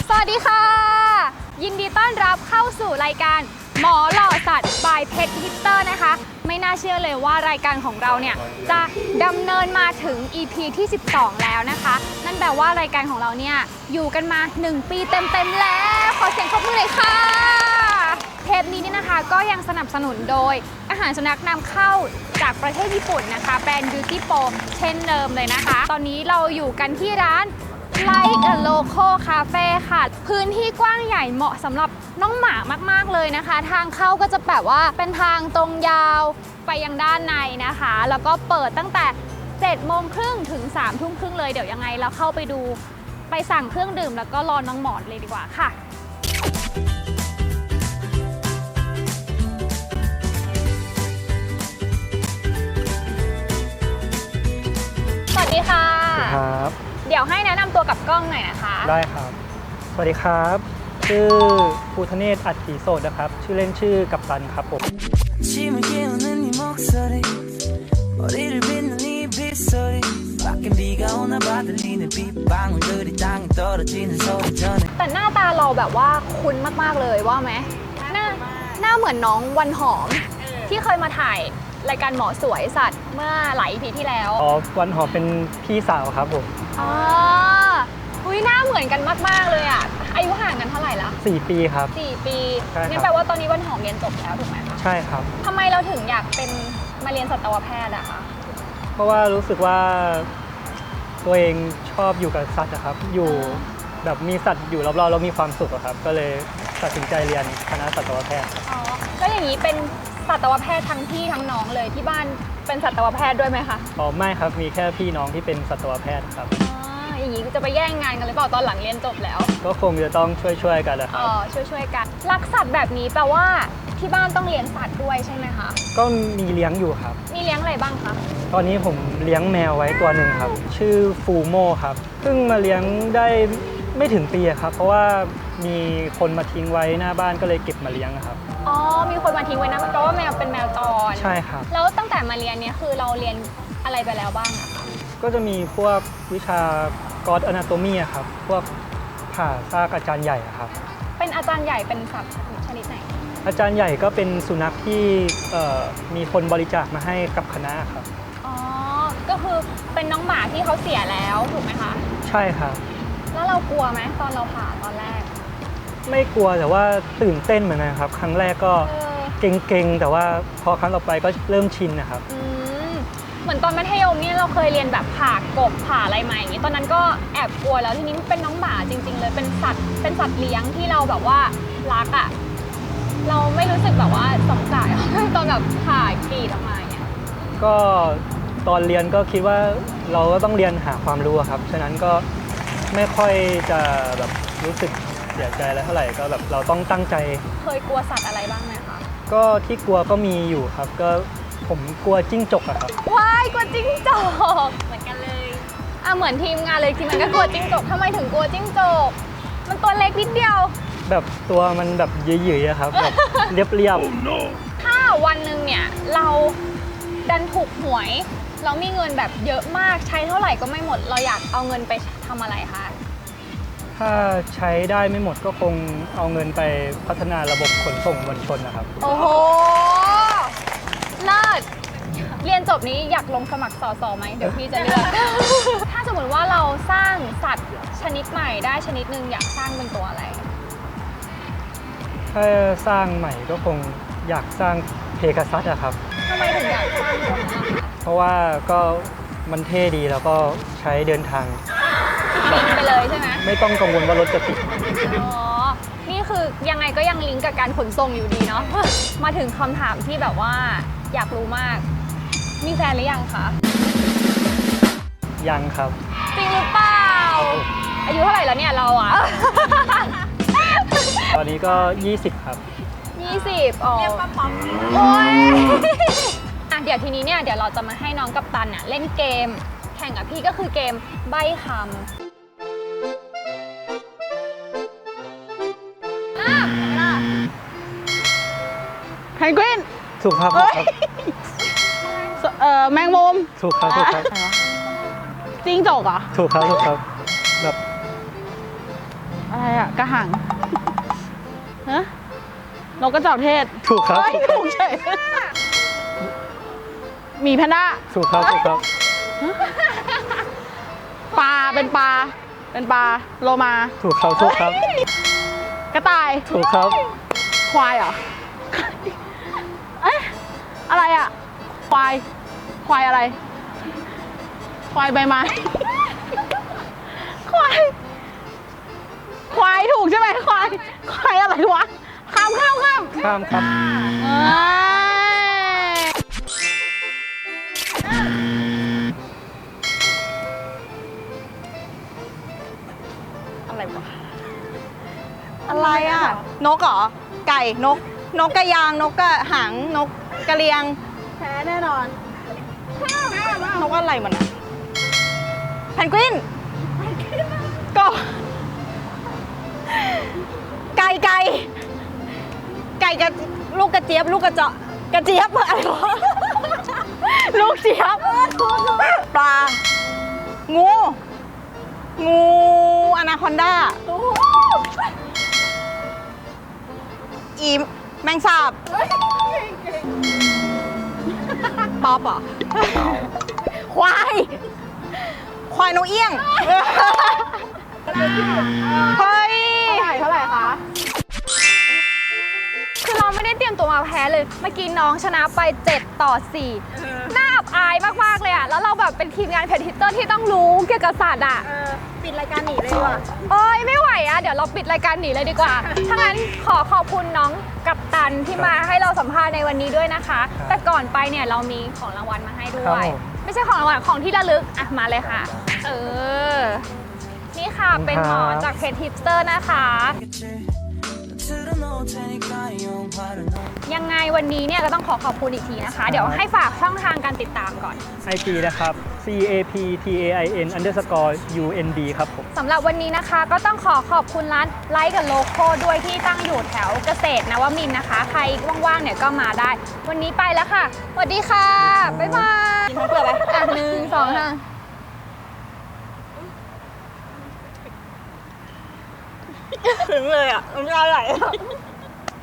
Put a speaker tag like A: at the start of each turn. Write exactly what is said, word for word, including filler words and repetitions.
A: สวัสดีค่ะยินดีต้อนรับเข้าสู่รายการหมอหล่อสัตว์บายเพชรฮิตเตอร์นะคะไม่น่าเชื่อเลยว่ารายการของเราเนี่ยจะดำเนินมาถึง อี พี ที่สิบสองแล้วนะคะนั่นแปลว่ารายการของเราเนี่ยอยู่กันมาหนึ่งปีเต็มๆแล้วขอเสียงปรบมือเลยค่ะเทปนี้นี่นะคะก็ยังสนับสนุนโดยอาหารสุนัขนำเข้าจากประเทศญี่ปุ่นนะคะแบรนด์ Beauty Pro เช่นเดิมเลยนะคะตอนนี้เราอยู่กันที่ร้านLike a Local Cafe ค่ะพื้นที่กว้างใหญ่เหมาะสำหรับน้องหมามากๆเลยนะคะทางเข้าก็จะแบบว่าเป็นทางตรงยาวไปยังด้านในนะคะแล้วก็เปิดตั้งแต่เจ็ดโมงครึ่งถึงสามทุ่มครึ่งเลยเดี๋ยวยังไงเราเข้าไปดูไปสั่งเครื่องดื่มแล้วก็รอน้องหมอนเลยดีกว่าค่ะสวัสดีค่ะ
B: ครับ
A: เดี๋ยวให้แนะนำตัวกับกล้องหน่อยนะคะ
B: ได้ครับสวัสดีครับชื่อภูทะเนศอัจฉีโสดนะครับชื่อเล่นชื่อกัปตันครับผม
A: แต่หน้าตาเราแบบว่าคุ้นมากๆเลยว่าไหมหน้าหน้าเหมือนน้องวันหอมที่เคยมาถ่ายรายการหมอสวยสัตว์เมื่อหลายปีที่แล้ว
B: อ๋อวันหอมเป็นพี่สาวครับผม
A: อ๋ออุ้ยหน้าเหมือนกันมากๆเลยอ่ะอายุห่างกันเท่าไหร่ละ
B: สี่ปีครับ
A: สี่ปี
B: ใช่ครับ
A: งั้นแปลว่าตอนนี้วันหอมเรียนจบแล้วถูกไหมคะ
B: ใช่ครับ
A: ทำไมเราถึงอยากเป็นมาเรียนสัตวแพทย์อะคะ
B: เพราะว่ารู้สึกว่าตัวเองชอบอยู่กับสัตว์นะครับอยู่แบบมีสัตว์อยู่รอบๆแล้วมีความสุขครับก็เลยตัดสินใจเรียนคณะสัตวแพทย์
A: อ๋อแล้วอย่างนี้เป็นสัตวแพทย์ทั้งพี่ทั้งน้องเลยที่บ้านเป็นสัตวแพทย์ด้วยไหมคะ
B: อ๋อไม่ครับมีแค่พี่น้องที่เป็นสัตวแพทย์ครับ
A: อย่างนี้จะไปแย่งงานกันหรือเปล่าตอนหลังเรียนจบแล้ว
B: ก็คงจะต้องช่วยๆกันแหละครับ
A: อ๋อช่วยๆกันรักสัตว์แบบนี้แปลว่าที่บ้านต้องเลี้ยงสัตว์ด้วยใช่ไหมคะ
B: ก็มีเลี้ยงอยู่ครับ
A: มีเลี้ยงอะไรบ้างคะ
B: ตอนนี้ผมเลี้ยงแมวไว้ตัวหนึ่งครับชื่อฟูโมครับเพิ่งมาเลี้ยงได้ไม่ถึงปีครับเพราะว่ามีคนมาทิ้งไว้หน้าบ้านก็เลยเก็บมาเลี้ยงครับ
A: อ๋อมีคนมาทิ้งไว้นะเพราะว่าแมวเป็นแมวจร
B: ใช่ครับ
A: แล้วตั้งแต่มาเรียนเนี่ยคือเราเรียนอะไรไปแล้วบ้างอะคะ
B: ก็จะมีพวกวิชากอดอนาโตมีครับพวกผ่าซากอาจารย์ใหญ่ครับ
A: เป็นอาจารย์ใหญ่เป็นสัตว์ชนิดไหน
B: อาจารย์ใหญ่ก็เป็นสุนัขที่มีคนบริจาคมาให้กับคณะครับ
A: อ๋อก็คือเป็นน้องหมาที่เขาเสียแล้วถูกไหมคะ
B: ใช่ครับ
A: แล้วเรากลัวไหมตอนเราผ่าตอนแรก
B: ไม่กลัวแต่ว่าตื่นเต้นเหมือนกันครับครั้งแรกก็เก่งๆแต่ว่าพอครั้งต่อไปก็เริ่มชินนะครับ
A: เหมือนตอนมัธยมเนี่ยเราเคยเรียนแบบผ่ากบผ่าอะไรมาอย่างนี้ตอนนั้นก็แอบกลัวแล้วทีนี้เป็นน้องหมาจริงๆเลยเป็นสัตว์เป็นสัตว์เลี้ยงที่เราแบบว่ารักอ่ะเราไม่รู้สึกแบบว่าสงสารตอนแบบผ่ากรีดออกมาเนี่ย
B: ก็ตอนเรียนก็คิดว่าเราก็ต้องเรียนหาความรู้ครับฉะนั้นก็ไม่ค่อยจะแบบรู้สึกเสียใจอะไรเท่าไหร่ก็แบบเราต้องตั้งใจ
A: เคยกลัวสัตว์อะไรบ้างไหมคะ
B: ก็ที่กลัวก็มีอยู่ครับก็ผมกลัวจิ้งจกอะครับ
A: ว้ายกลัวจิ้งจกเหมือนกันเลยอ่ะเหมือนทีมงานเลยทีมงานก็กลัวจิ้งจกทำไมถึงกลัวจิ้งจกมันตัวเล็กนิดเดียว
B: แบบตัวมันแบบเยื่อยๆครับแบบเรียบ
A: ๆถ้าวันหนึ่งเนี่ยเราดันถูกหวยเรามีเงินแบบเยอะมากใช้เท่าไหร่ก็ไม่หมดเราอยากเอาเงินไปทำอะไรคะ
B: ถ้าใช้ได้ไม่หมดก็คงเอาเงินไปพัฒนาระบบขนส่งมวลชนนะครับ
A: โอ้โหเลิศเรียนจบนี้อยากลงสมัครสสไหมเดี๋ยวพี่จะเลือก ถ้าสมมติว่าเราสร้างสัตว์ชนิดใหม่ได้ชนิดหนึ่งอยากสร้างเป็นตัวอะไร
B: ถ้าสร้างใหม่ก็คงอยากสร้างเพกาซัสอะครับ
A: ทำไมถึงอยากสร้างตัวนี้
B: เพราะว่าก็มันเท่ดีแล้วก็ใช้เดินทาง
A: บินไปเลยใช่ไหม
B: ไม่ต้องกังวลว่ารถจะติด
A: อ๋อนี่คือยังไงก็ยังลิงก์กับการขนส่งอยู่ดีเนาะ มาถึงคำถามที่แบบว่าอยากรู้มากมีแฟนหรือยังคะ
B: ยังครับ
A: จริงหรือเปล่าอายุเท่าไหร่แล้วเนี่ยเราอะ
B: ตอนนี้ก็ยี่สิบครับ
A: ยี่สิบอ๋อเรียกป้าป๊อปโอ้ยอ่ะเดี๋ยวทีนี้เนี่ยเดี๋ยวเราจะมาให้น้องกัปตันเนี่ยเล่นเกมแข่งกับพี่ก็คือเกมใบ้คำอ่ะเวลา
C: เพนกวิน
B: ถูกครับ
C: เอ่อแมงมุม
B: ถูกครับถูกครับ
C: จิ้งจกเหรอ
B: ถูกครับถูกครับแบบ
C: อะอะไรอะกระหังฮะนกกระจอกเทศ
B: ถูกครับ
C: เอ้ยถูกเฉยหมีแพนด้า
B: ถูกครับถูกครับ
C: ปลาเป็นปลาเป็นปลาโลมา
B: ถูกครับถูกครับ
C: กระต่าย
B: ถูกครับ
C: ควายเหรอเอ๊ะอะไรอะควายควายอะไร ควายใบไม้ ควาย ควายถูกใช่ไหมควาย ควายอะไรวะ ข้ามข้ามข้าม
B: ข้ามครับ
C: เอ้ยอะไรวะ
D: อะไรอ่ะ นกเหรอ ไก่ นก นกกระยาง นกกระหาง นกกระเรียง
C: แพ้แน่นอน
D: นกอะไรมันอ่ะแพนกวินก็ไก่ไก่ ไก่กับลูกกระเจี๊ยบ ลูกกระเจาะกระเจี๊ยบอะไรวะ ลูกเจี๊ยบ ปลา งู งูอนาคอนดา อีแมงสาบป๊อปเหรอ ควาย ควายนกเอี้ยง เฮ้ย
C: เท่าไหร่คะ
A: คือเราไม่ได้เตรียมตัวมาแพ้เลย เมื่อกี้น้องชนะไปเจ็ดต่อสี่น่าอับอายมากๆเลยอ่ะ แล้วเราแบบเป็นทีมงานเพจฮิตเตอร์ที่ต้องรู้เกี่ยวกับสัตว์อ่ะ
D: ปิดรายการหนีเลยดีกว่า
A: เอ้ยไม่ไหวอ่ะ เดี๋ยวเราปิดรายการหนีเลยดีกว่า ถ้างั้นขอขอบคุณน้องกัปตันที่มาให้เราสัมภาษณ์ในวันนี้ด้วยนะคะ แต่ก่อนไปเนี่ยเรามีของรางวัลมาให้ด้
B: ครั
A: ว
B: บ
A: ย
B: ผม
A: ไม่ใช่ของรางวัลของที่ระลึก อ่ะมาเลยค่ะ เออ นี่ค่ะเป็นหมอนจากเพจฮิปสเตอร์นะคะ ยังไงวันนี้เนี่ยก็ต้องขอขอบคุณอีกทีนะคะ เดี๋ยวให้ฝากช่องทางการติดตามก่อน
B: ไอ จี นะครับ C A P T A I N underscore U N D ครับผม
A: สำหรับวันนี้นะคะก็ต้องขอขอบคุณร้านไลท์กับโลโก้ด้วยที่ตั้งอยู่แถวเกษตรนวมินทร์นะคะ ใครว่างๆเนี่ยก็มาได้ วันนี้ไปแล้วค่ะสวัสดีค่ะ บ๊ายบาย
D: กินทั้งเปลือกไหม
A: อ่ะหนึ่งสองห้า
D: ถึงเลยอ่ะน้ำลายไหล